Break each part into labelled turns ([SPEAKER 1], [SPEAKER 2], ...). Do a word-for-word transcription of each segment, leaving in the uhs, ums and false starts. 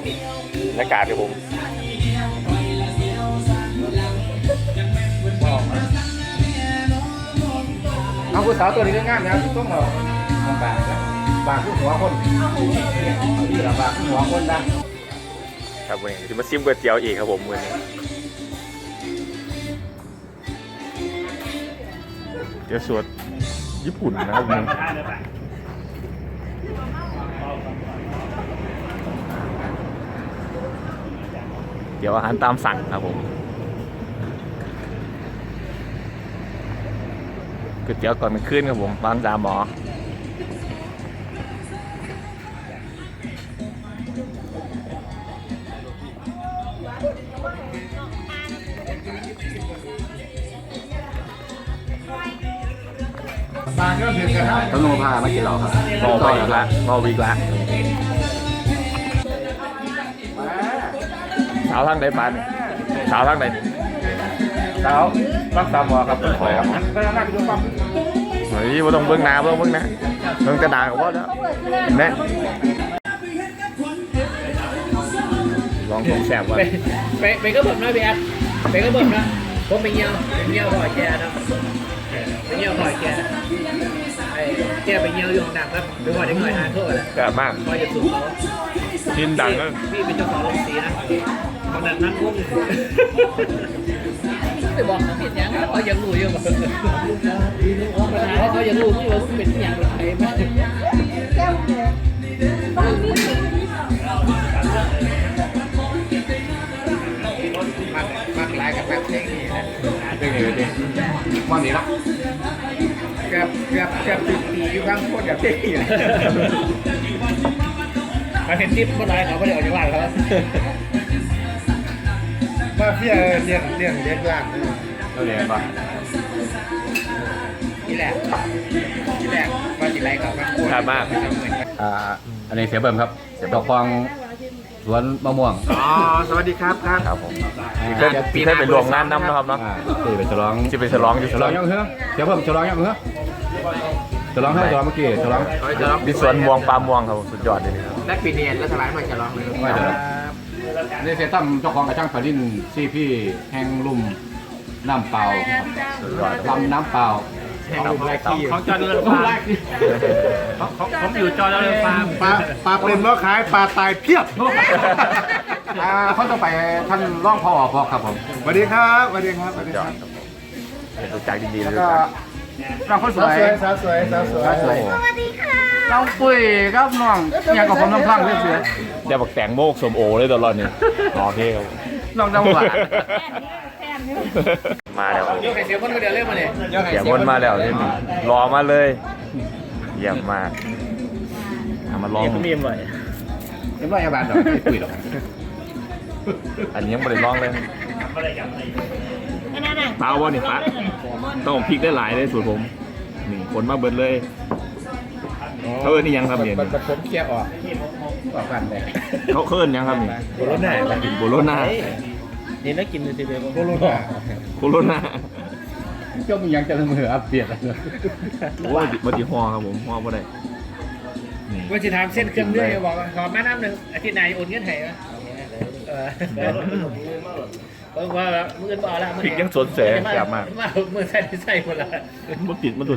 [SPEAKER 1] บรรยากาศครับผม
[SPEAKER 2] เอาผู้สาวตัวนี้ก็ง่ายนะต้องเราบางบางผู้หัวคนนี่แหละบางผู้หัวคนนะครับ
[SPEAKER 1] วันนี้จะมาซิมก๋วยเตี๋ยวอีกครับผมวันนี้เตี๋ยวสดญี่ปุ่นนะครับผมเดี๋ยวอาหารตามสั่งครับผมก๋วยเตี๋ยวก่อนมันขึ้นครับผมบ้านจามหมอ
[SPEAKER 2] บางก็ถึงกันต้องโนพาไม่กินหรอกครับ
[SPEAKER 1] รอไปอีกละรอวีกละสาวทางใดปานสาวทางใดสาวรักษาหมอครับขอครับก็น่าจะดูปั๊มเฮ้ยว่าต้องเบิ้งหน้าเบิ้งเบิ้งนะเบิ้งกระดาษก็พอแล้วเห็นไหมลองของแสบว่า
[SPEAKER 3] ไปไปก็เบิ่มนะพี่แอดไปก็เบิ่มนะผมไปเยี่ยวไปเยี่ยวหอยแกนะไปเยี่ยวหอยแกไอ้แกไปเยี่ยวอยู่หนักครับไปหอยได้หอยหาโทษแหละ
[SPEAKER 1] แสบมาก
[SPEAKER 3] หอยจะสูงเขา
[SPEAKER 1] กินดังก็
[SPEAKER 3] พี่เป็นเจ้าของโรงสีนะขนาดนั้นพุ่งไปบอกเขาผิดยังเขายังรู้อยู่แบบปัญหาเขายังรู้อยู่ว่าเป็นอย่างไรไหม
[SPEAKER 2] มากหลายกับแบบเพลงนี้นะเพลงนี้ดิวันนี้ละเกือบเกือบเกือบสิบปีอยู่ข้างคนกับเพลงนี้เลย
[SPEAKER 3] มาเห็นทิปเมื่อไรเขาไม่ได้ออกจากร้านเขา
[SPEAKER 2] มาเพี้ยเลี้ยงเลี้ยงเลี้ยงร้านเราเลี้ยงป่ะ
[SPEAKER 3] นี่แหละนี่แหละมาจิไรครับมา
[SPEAKER 1] แสบมาก
[SPEAKER 4] อ่าอันนี้เสียเบิ่มครับเสียเจ้าของสวนมะม่วง
[SPEAKER 2] อ๋อสวัสดีครับครับ
[SPEAKER 1] ครับผมพี่เคยพี่เคยไปรวมงานน้ำนะครับเนาะ
[SPEAKER 4] อ่าที่เป็นฉลอง
[SPEAKER 1] ที่ไปฉลองอยู่
[SPEAKER 4] ฉลองยังเหรอเสียเบิ่มฉลองยังเหรอฉลองให้ฉลองเมื่อกี้ฉลอง
[SPEAKER 1] ดิสวนม่วงปลาม่วงครับสุดยอดเลยครับ
[SPEAKER 2] และปีเนียนและสลายมาจะร้องเลย
[SPEAKER 4] ไม่ฉลองนี่เสียตั้มเจ้าของกระช่างฝาดินซีพี่แห้งลุ่มน้ำเปล่า
[SPEAKER 1] สุดยอด
[SPEAKER 4] ลำน้ำเปล่า
[SPEAKER 3] ของจอร์เรือนฟาร์มผมอยู่จอร์เรือนฟาร์ม
[SPEAKER 2] ปลาปลาเป็นว่าขายปลาตายเพียบ
[SPEAKER 4] อ่าเขาต้องไปท่านร่องพ่อพอครับผม
[SPEAKER 2] สวัสดีครับสวัสดีครับสวัสดี
[SPEAKER 1] ย
[SPEAKER 2] ค
[SPEAKER 1] อ
[SPEAKER 2] รั
[SPEAKER 1] ด
[SPEAKER 2] บ
[SPEAKER 1] ครับผมเห็นรู้จักดีๆ
[SPEAKER 4] แล้ว
[SPEAKER 1] เลย
[SPEAKER 4] ก็
[SPEAKER 1] ครับ
[SPEAKER 4] น้องคนส
[SPEAKER 2] สาว
[SPEAKER 4] วย
[SPEAKER 2] สวยสาวสวยสาวสวย
[SPEAKER 4] สาวสวยน้องปุ้ยครับน้องยังกับผมน้องพลังเรื่อย
[SPEAKER 1] เดี๋ยวบักแตงโมกสมโอเลยตลอดนี่โอเคครับ
[SPEAKER 4] ๆน้องน้ำหวาน
[SPEAKER 1] มาแล้ว
[SPEAKER 3] ยกไข่เสียบนก็เดี๋ยวเล่นมาเนี่ย
[SPEAKER 1] เสียงวนมาแล้วนี่รอมาเลยเยี่ยมมากเอามาลอง
[SPEAKER 3] มีมไว้
[SPEAKER 4] เรียบร้อยอาบานดอกไม่ปุ้ยหรอก
[SPEAKER 1] อันนี้ยังไม่ได้ลองเลยเปล่าบ่นี่ปะต้องพริกได้หลายเลยสูตรผมนี่คนมาเบิดเลยเขาเอิ้นนี่ยังครับเนี่ย
[SPEAKER 2] มันผมเคลียร์ออกออกกันเลย
[SPEAKER 1] เขาเอิ้นยังครับนี่
[SPEAKER 3] โคโรนา
[SPEAKER 1] โบโลนา
[SPEAKER 3] นี่นักกินเลยทีเดียว
[SPEAKER 2] โคโรนา
[SPEAKER 1] โคโรนา
[SPEAKER 4] เจ้ามึงยังจะละมืออัปเดตอะไร
[SPEAKER 1] โอ้ยบัติฮอครับผมฮอบ่ได้นี่
[SPEAKER 3] ว่าจะทำเส้นเครื่องเลื่อยบอกขอแม่น้ำหนึ่งอาทิตย์ไหนโอนเงินไทยไหมเออเพราะว่ามือบ่เอาละ
[SPEAKER 1] พริกยังสดแสบแสบมาก
[SPEAKER 3] มามือใส่ใส่หมดละ
[SPEAKER 1] มันติดมันตุน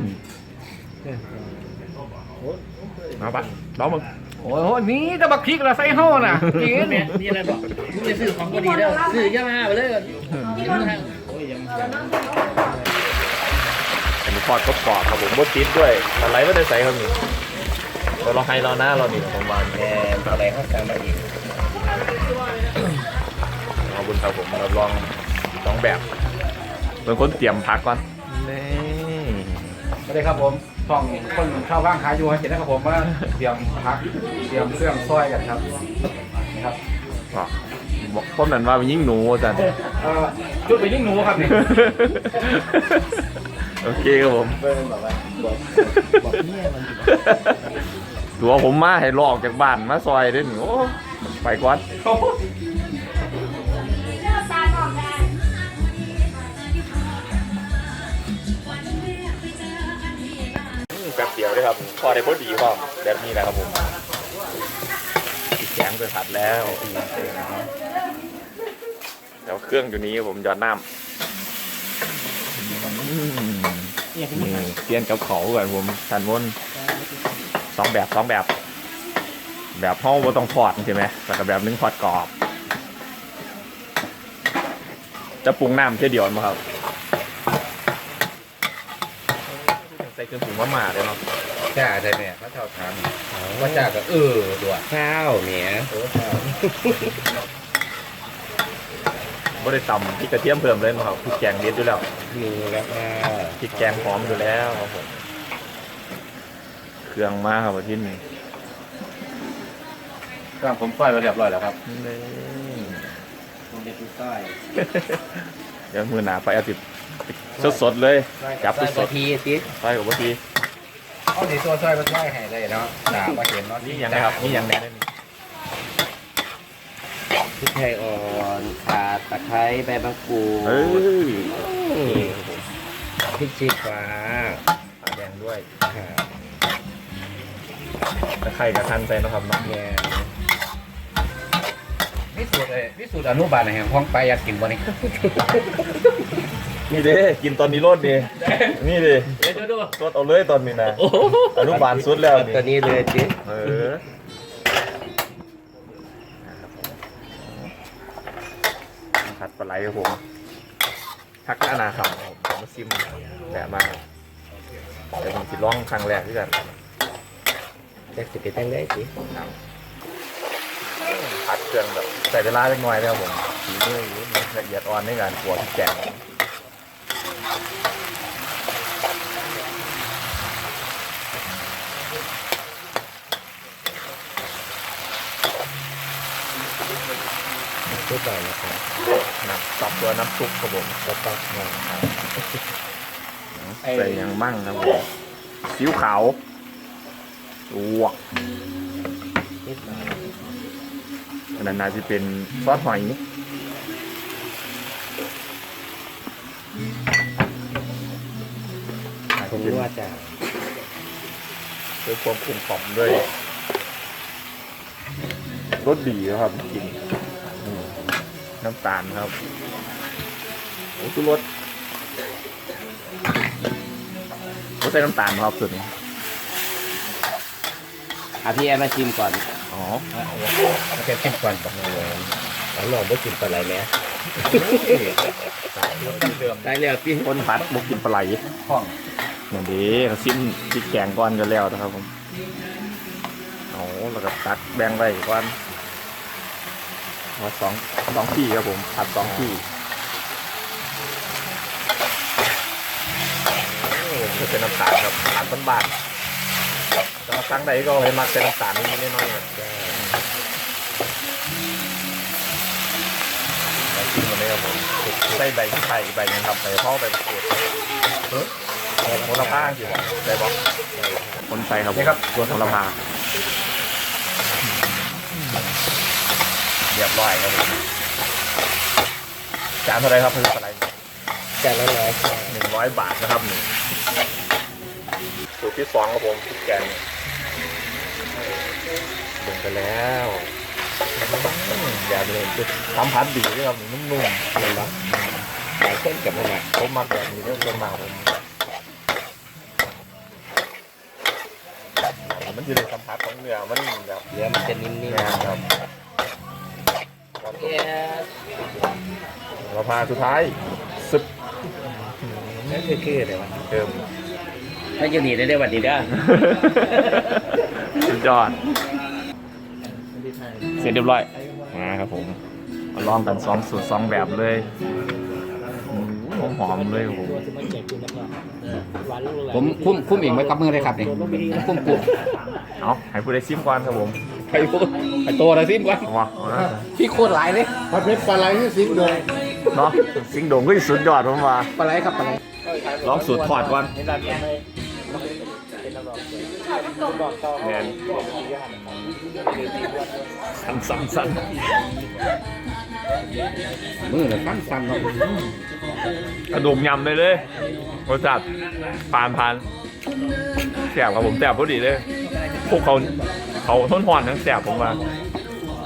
[SPEAKER 1] มาปะลองมึง
[SPEAKER 4] โอ้โหนี่จะบักพริกละใส่ห่อน่ะกิน
[SPEAKER 3] เนี่ยนี่อะไรบอกมึงจะซื้อของก็ดีแล้วซื้อยามาไปเลยกินทางโอ้ยยัง
[SPEAKER 1] อันนี้ทอดกรอบๆครับผมบดติดด้วยอะไรไม่ได้ใส่ครับนี่เราลองให้เราหน้าเรานี่ผมวางแกงอะไรข้าวแกงมาอีกเอาบุญครับผมเราลองสองแบบเป็นคนเตรียมพักก่อนนี่
[SPEAKER 4] ไม่ได้ครับผมช่องคนข้าวว่างขายอยู่ให้เห็นนะครับผมว่าเตรียมพักเตรียมเครื่องซอยกันครับนะครับ
[SPEAKER 1] อ๋อบอกพวกนั้นว่าเป็นยิ่งหนูจัน
[SPEAKER 4] เอ่อจุดไปยิ่งหนูครับนี่
[SPEAKER 1] โอเคครับผมตัวผมมาให้ลอกจากบ้านมาซอยด้วยนี่โอ้ไปก่อนแป๊บเดียวเลยครับพอได้พอดีพอแบบนี้แหละครับผมแกงไปผัดแล้วเดี๋ยวเครื่องอยู่นี้ผมหยอดน้ำนี่เตรียมกับเขาก่อนผมทันวนสองแบบสองแบบ แบบห้องว่าต้องทอดใช่ไหมแต่กับแบบนึงทอดกรอบจะปรุงน้ำแค่เดียวมั้งครับใส่เครื่องปรุงมาหมาเลยเนาะ
[SPEAKER 2] จ้าใช่เนี่ยเขาชอบทำว่าจ้าก็เออด้วย
[SPEAKER 3] ข้าวเนี่ย
[SPEAKER 2] โอ้ข้าว
[SPEAKER 1] ไม่ได้ตำพริกกระเทียมเพิ่มเลยมั้งครับพริกแกงเด็ดอยู่แล้ว
[SPEAKER 2] มีแล้วก็
[SPEAKER 1] พริกแกงหอมอยู่แล้วครับผมเครื่องมาครับที่นี่
[SPEAKER 4] เครื่องผมซอยไปเรียบร้อยแล้วครับ
[SPEAKER 1] นี่
[SPEAKER 3] ผมเป็นผู้ต้อย
[SPEAKER 1] เดี๋ยวมือหนาไปเอาติดสดๆเลยจับ
[SPEAKER 3] ต้อย
[SPEAKER 1] ส
[SPEAKER 3] บา
[SPEAKER 1] ด
[SPEAKER 3] ทีสิ
[SPEAKER 1] ๆไปกับวัที
[SPEAKER 2] เอาดีตัวซอยมาซอยให้ได้เนาะจ้ามาเห็นเนาะ
[SPEAKER 1] นี่ยังไงครับนี่ยังแน่ได้นี่
[SPEAKER 3] พริกไทยอ่อนข่าตะไคร้ใบมะกรูด
[SPEAKER 1] เฮ้ย
[SPEAKER 3] พริกชี้ฟ้า
[SPEAKER 1] ปลาแดงด้วย
[SPEAKER 3] ค่ะ
[SPEAKER 1] ตะไคร้กับทันใส่นะครับเนาะ
[SPEAKER 3] แกง
[SPEAKER 2] วิสูตรเลยวิสูตรอนุบาลแห่งห้องไปอยากกินบ่นี่
[SPEAKER 1] นี่เด้กินตอนนี้รสดีนี่ดิ
[SPEAKER 3] เดี๋ยวดู
[SPEAKER 1] รสเอาเลยตอนนี้นะอนุบาลสุดแล้วนี่
[SPEAKER 3] ตัวนี้เลยจิ
[SPEAKER 1] เออผัดปลาไหลครับผมทักหน้านาครับผมมาซิมแต่มาเดี๋ยวผมสิร้องครั้งแรกด้วยกัน
[SPEAKER 3] จะสิเป็นตั้งได้จิ
[SPEAKER 1] ผัดเครื่องแบบใส่เวลาเล็กน้อยนะครับผมสีมือละเอียดอ่อนในการขัวที่แกง
[SPEAKER 3] ทุกอย่างนะครับ
[SPEAKER 1] น้ำซับตัวน้ำซุปครับผม
[SPEAKER 3] ก็ต้องมา
[SPEAKER 1] ใส่หยังมั่งครับผมซีอิ๊วขาวลวก
[SPEAKER 3] นิดหน่อย
[SPEAKER 1] อันนั้นน่าจะเป็นซอสหอย
[SPEAKER 3] ผมรู้ว่าจะ
[SPEAKER 1] ด้วยความกลมกล่อมด้วยรสดีนะครับจริงอืมน้ำตาลครับโอ้คือรสรสใส่น้ำตาลครับสุดนี้
[SPEAKER 3] อ่ะพี่แอมมาชิมก่อน
[SPEAKER 1] อ๋อ
[SPEAKER 2] มันจะชิมก่อนบอกเลย
[SPEAKER 3] แล้วลองไม่ชิมปลาไหลไหม
[SPEAKER 1] เดิม
[SPEAKER 3] ได้แล้วพี่
[SPEAKER 1] คนพัดบุกกินปลาไหล
[SPEAKER 2] ห้อง
[SPEAKER 1] อย่างนี้เขาซิมพริกแกงก้อนกันแล้วนะครับผมเอาแล้วก็ตักแบ่งไว้ก้อนมาสองสองที่ครับผมผัดสองที่ไม่เป็นน้ำตาลครับผัดบ้านๆแต่ว่าครั้งใดก็ให้มักเป็นน้ำตาลนิดๆหน้อยๆครับแล้วกินกันเลยครับผมใส่ใบไข่ใบยังครับใส่ข้าวใบมะกรูดโหระพาอยู่ใส่บอกคนใส่ครับผมตัวโหระพาเรียบร้อยครับผมจานเท่าไรครับเพื่อนอะไร
[SPEAKER 3] จานละร้อยค่ะ
[SPEAKER 1] หนึ่งร้อยบาทนะครับนี่สูตรที่สองครับผมพริกแกงลงไปแล้วอืมอย่าเลยทำพัดดีด้วยครับนุ่มๆเลยละ
[SPEAKER 3] หลายคนกับมันอ่ะ
[SPEAKER 1] ผมมักแบบนี้เรื่องส่วนมากผมมันอยู่ในสัมผัสของเนื้อมันแบบ
[SPEAKER 3] เนื้อมันจะนิ่ม
[SPEAKER 1] แน่ครับ
[SPEAKER 3] ๆแอม
[SPEAKER 1] เราพาสุดท้ายซึบ
[SPEAKER 3] นั่นคือคืออะไรวะ
[SPEAKER 1] เติม
[SPEAKER 3] ถ้าอยู่นี่ได้ได้วันนี้ได้
[SPEAKER 1] สุดยอดเสร็จเรียบร้อยมาครับผมมาลองกันสองสูตรสองแบบเลยหอมหอมๆเลยครับผม
[SPEAKER 2] ผมคุ้มคุ้มเองไว้กับมือเลยครับนี่คุ้มกุ้ม
[SPEAKER 1] เอาให้ผู้ใดซิมก่อนครับผม
[SPEAKER 2] ไปพูดไปโตนะซิมก่อน
[SPEAKER 1] เอาวะเอานะ
[SPEAKER 2] พี่โคตรหลายเลย
[SPEAKER 4] ผัดเผ็ดปลาไหลที่สิงห์โดง
[SPEAKER 1] เนาะสิงโด่งก็สุดยอดผมว่า
[SPEAKER 2] ปลาไหลครับปลาไหล
[SPEAKER 1] ลองสูตรทอดก่อนแมนสั่นสั่นสั่น
[SPEAKER 2] มือเลยฟันฟันเนาะ
[SPEAKER 1] กระดูกยำเลยเลยรสชาติผ่านผ่านแสบครับผมแสบพอดีเลยพวกเขาเขาทนหอนทั้งแสบผมว่า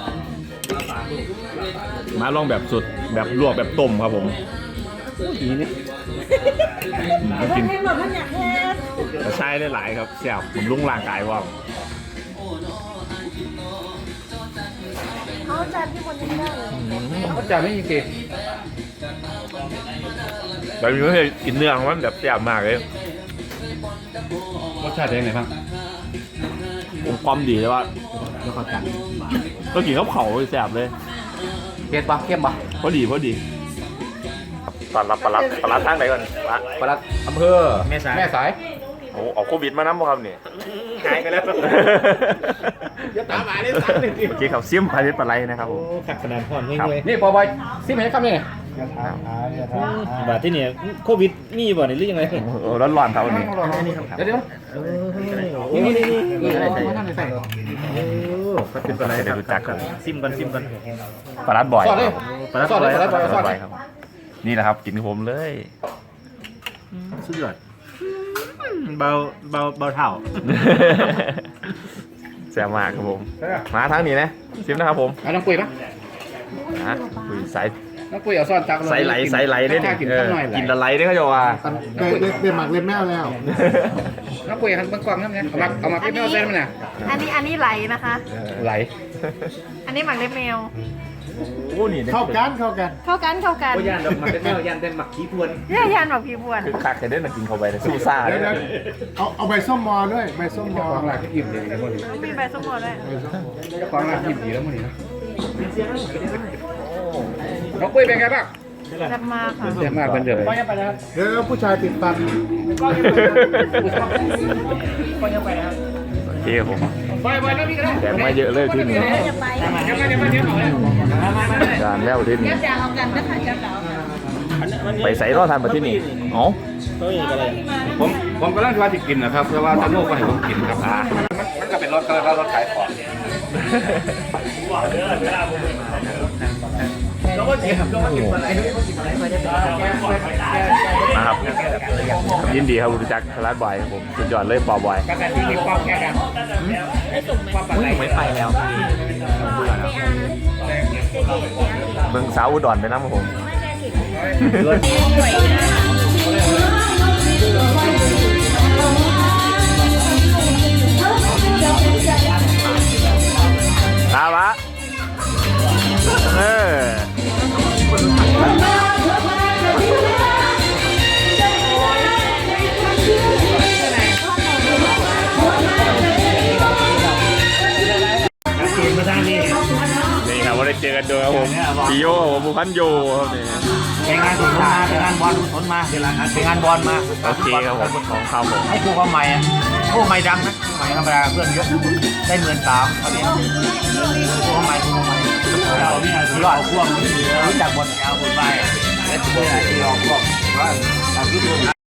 [SPEAKER 1] มาลองแบบสุดแบบลวกแบบต้มครับผมอีนี่มันกินกระชายได้หลายครับแซ่บผมลุ่งร่างกายว่า
[SPEAKER 5] เขาจานที่บนนี้ได้เลย
[SPEAKER 4] เขาจะไม่มีเกล็ด
[SPEAKER 1] แบบนี้ก็กินเนื้อของมันแบบแซ่บมากเลย
[SPEAKER 4] รสชาติเป็นไงบ้าง
[SPEAKER 1] ผมความดีเลยว่า
[SPEAKER 4] แล้วเขาจัง
[SPEAKER 1] ก็กินข้าวเผาแซ่บเลย
[SPEAKER 4] เกล็ดปะเข้มปะ
[SPEAKER 1] พอดีพอดีตอนรับปลาปลาทางไหนก่อนปลา
[SPEAKER 4] ปลัดอำเภอ
[SPEAKER 3] แม่สาย
[SPEAKER 4] แม่สาย
[SPEAKER 1] โอ้เอาโควิดมาน้ำบ่ครับนี่
[SPEAKER 3] หายไปแล้วอย่าตามหาเลยสั่งเลย
[SPEAKER 1] โอเคครับซิมพาริสปลาไหลนะครับผม
[SPEAKER 3] ขัดขนาดพอนเฮง
[SPEAKER 1] ครับ
[SPEAKER 3] เลย
[SPEAKER 4] นี่พอบอยซิมเห็นคำนี้ไง
[SPEAKER 3] บาดที่เนี่ยโควิดมีบ่เนี่ยหรือยังไง
[SPEAKER 1] โอ้ร้อนๆครับวันนี้
[SPEAKER 4] เดี๋ยวเดี๋ยว
[SPEAKER 3] นี่นี่นี่
[SPEAKER 4] นี่อะไรใส่มาทำอะไรใส่
[SPEAKER 3] ก็เป็นปลาไหล
[SPEAKER 1] จะได้รู้จักกัน
[SPEAKER 3] ซิมกันซิมกัน
[SPEAKER 1] ปลาลัดบ่อย
[SPEAKER 4] สอดเลย
[SPEAKER 3] ปลาไหล
[SPEAKER 4] สอดเลยปลาไหล
[SPEAKER 1] ปลา
[SPEAKER 4] สอ
[SPEAKER 1] ลั
[SPEAKER 4] ด
[SPEAKER 1] ด
[SPEAKER 4] เล
[SPEAKER 1] บ่อย ยครับนี่แหละครับกินกับผมเลย
[SPEAKER 3] สุดยอดเบาเบาเบาเท่า
[SPEAKER 1] แซ่บมากครับผมมาทางนี้นะซิมนะครับผม
[SPEAKER 4] เอาน้องปุ้ยปะ
[SPEAKER 1] นะคุยสาย
[SPEAKER 4] น้องปุ้ยเอาซ่อนตัก
[SPEAKER 1] สายไหลสายไหลได้
[SPEAKER 4] เนี่
[SPEAKER 1] นี่
[SPEAKER 4] กิน
[SPEAKER 1] เอ
[SPEAKER 4] ข้า
[SPEAKER 1] อ
[SPEAKER 4] วหน่อย
[SPEAKER 1] กินละไหลได้ก็จะว่า
[SPEAKER 6] ได้ได้ได้หมักเล็บแมวแล้ว
[SPEAKER 4] น้องปุ้ยหันเบิ้งกล้องนั่นไงเอามาเอามาพี่ไม่เอาเส้นมันน่ะ
[SPEAKER 5] อันนี้อันนี้ไหลนะคะ
[SPEAKER 4] ไหล
[SPEAKER 5] อันนี้หมักเล็บแมว
[SPEAKER 1] โอ้นี่
[SPEAKER 6] เข้ากันเข้ากัน
[SPEAKER 5] เข้ากันเข้ากัน
[SPEAKER 3] โอ้ยานดอกหมักเป็นแมวยานเป็นหมักขี้พวน
[SPEAKER 5] ย่ายานแบบพี่บวน
[SPEAKER 1] คือคักเคยได้มากินเข้าไปเลยสู้ซ่าเล
[SPEAKER 6] เดี๋ย
[SPEAKER 1] ยว
[SPEAKER 6] เดี๋ยวเอาเอาใบส้มมอด้วยใบส้มมอ
[SPEAKER 4] ของหลักที่อิ่มเลยนะมัน
[SPEAKER 5] ต้องมีใบส้มโอด้วย
[SPEAKER 4] เจ้าของร้านอิ่มดีแล้วมันนี่นะน้องปุ้ยเป็นไงบ้าง
[SPEAKER 5] แซ่บมากค่ะ
[SPEAKER 4] เสียมากเป็นเดิม
[SPEAKER 6] เดี๋ยวผู้ชายติดฟัน
[SPEAKER 1] โอเคครับผม
[SPEAKER 4] ไปไปแล้วพี่ก็ได้
[SPEAKER 1] แดงมาเยอะเลยที่นี่
[SPEAKER 5] จะไป
[SPEAKER 4] เดี๋ยวมาเดี๋ยวมาเดี๋ยวมาเลย
[SPEAKER 1] จานแล้วที่นี่
[SPEAKER 5] จะจะเอากันนะคะจะเอา
[SPEAKER 1] ไปใส่รอดทันมาที่นี่อ๋อ
[SPEAKER 4] ผมผมกำลังจะว่าจะกินนะครับเพราะว่าตาโน่ก็ให้ผมกินครับอ่ามันมันก็เป็นรถก็รถขายของ
[SPEAKER 1] นะครับยินดีครับรู้จักร้านบอยครับผมสุดยอดเลยปอบอย
[SPEAKER 4] กันแต่ที่มีความแค่กันความปัดไหล
[SPEAKER 3] ไม่ไปแล้ว
[SPEAKER 1] เมืองสาวอุดรไปน้ำครับผมตาวะเออนี่ครับว่าได้เจอกันด้วยครับผมพี่โยผมบุพันโยครับนี่
[SPEAKER 3] ไปงานสนมาไปงานบอลสนมาไปงานบอลมา
[SPEAKER 1] โอเคครับผมของข้าวผม
[SPEAKER 3] ให้ครูเขาใหม่อ่ะครูใหม่ดังนะใหม่ธรรมดาเพื่อนเยอะได้หมื่นสามตอนนี้ครูเขาใหม่ครูเขาใหม่เราเนี่ยยอดพวกรู้จักบทยาวบทไปและตัวที่ออกพวกว่า